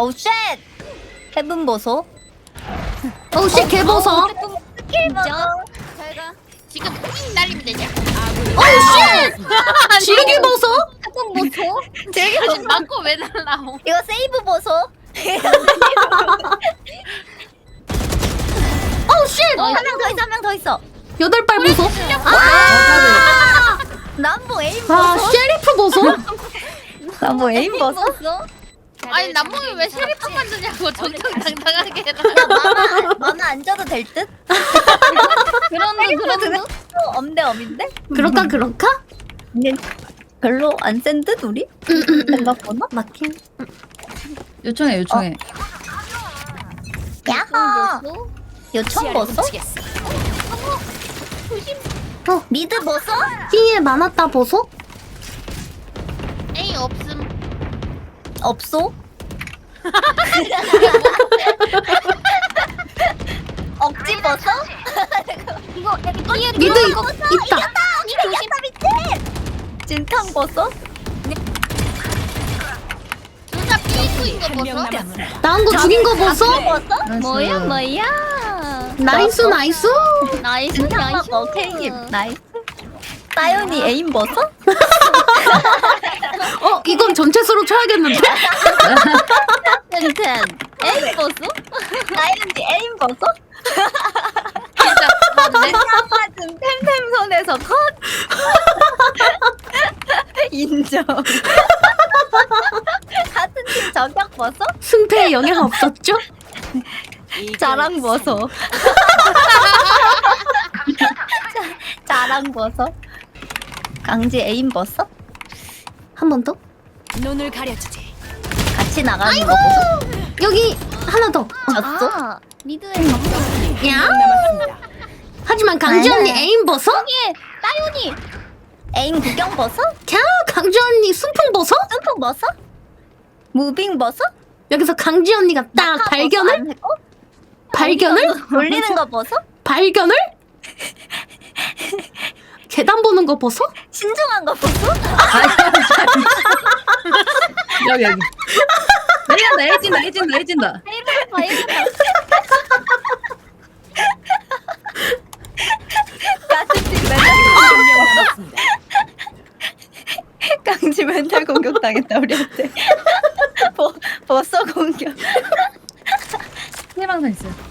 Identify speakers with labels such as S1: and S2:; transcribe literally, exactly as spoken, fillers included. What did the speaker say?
S1: 어우 쉣! 해븐 보소.
S2: 어우 씨 개버섯.
S1: 스킬 보소.
S3: 잘가. 지금 삥 날리면 되냐?
S2: 어우 씨. 지르기 버섯.
S1: 해븐 보소.
S3: 아니 맞고 왜 날라오?
S1: 이거 세이브 보소.
S2: 어우 씨.
S1: 한 명 더 있어, 한 명 더 있어.
S2: 여덟 발 버섯.
S1: 아! 남보 에임
S2: 아
S1: 보소.
S2: 셰리프 버섯.
S1: 남보 에임 보소.
S3: 아니 남몽이 왜 셰리프 만드냐고 정정당당하게 해라.
S1: 마마 마마 안 줘도 될 듯?
S4: 그런데 그런데
S1: 엄대 엄인데?
S2: 그럴까 그럴까?
S1: 근데 별로 안 센 듯 우리? 생각보다?
S2: 맞긴.
S4: 요청해 요청해.
S1: 야호! 요청 보소? 어, 미드 보소?
S2: B에 많았다 버섯.
S3: 에이 없음.
S1: 없소? 억지 보소? 이거
S2: 미드 있- 있다.
S1: 이거 이겼다 미친! 진탕 보소?
S3: 둘다 삐꾸인 거 보소.
S2: 나온 거 죽인 거 버섯.
S1: 보소?
S4: 뭐야 뭐야.
S2: 나이스 나이스.
S4: 나이스
S1: 진탕
S4: 나이스.
S1: 먹어 케이크 나이스 따윤이 에임 보소?
S2: 어 이건 전체 수로 쳐야겠는데?
S4: 텐텐. 에이 보소?
S1: 따윤이 에임 보소?
S3: 진짜 맞네.
S1: 맞은 템템 손에서 컷! 인정. 같은 팀 저격 보소?
S2: 승패에 영향 없었죠?
S1: 자랑 보소? 자랑 보소? 강지 에임 보소?
S2: 한 번 더.
S5: 눈을 가려주지.
S1: 같이 나가는 거 보소?
S2: 여기 하나 더.
S1: 졌어?
S4: 아 미드에
S2: 야. 하지만 강지 언니
S1: 아니야.
S2: 에임 버섯?
S4: 예 따윤이.
S1: 에임 구경 보소?
S2: 캬 강지 언니 순풍 버섯?
S1: 점프 보소? 무빙 보소?
S2: 여기서 강지 언니가 딱
S1: 낙하
S2: 발견을
S1: 보소 안 했고?
S2: 발견을
S1: 돌리는 거 보소?
S2: 발견을 계단 보는 거 버섯?
S1: 신중한 거 보소?
S4: 여기 여기. 내린다 해진다 해진다 해진다.
S1: 같은 팀 맨날
S5: 한명 남았습니다.
S1: 강지 멘탈 공격 당했다 우리한테. 버, 버섯 공격.
S4: 해방선 있어요.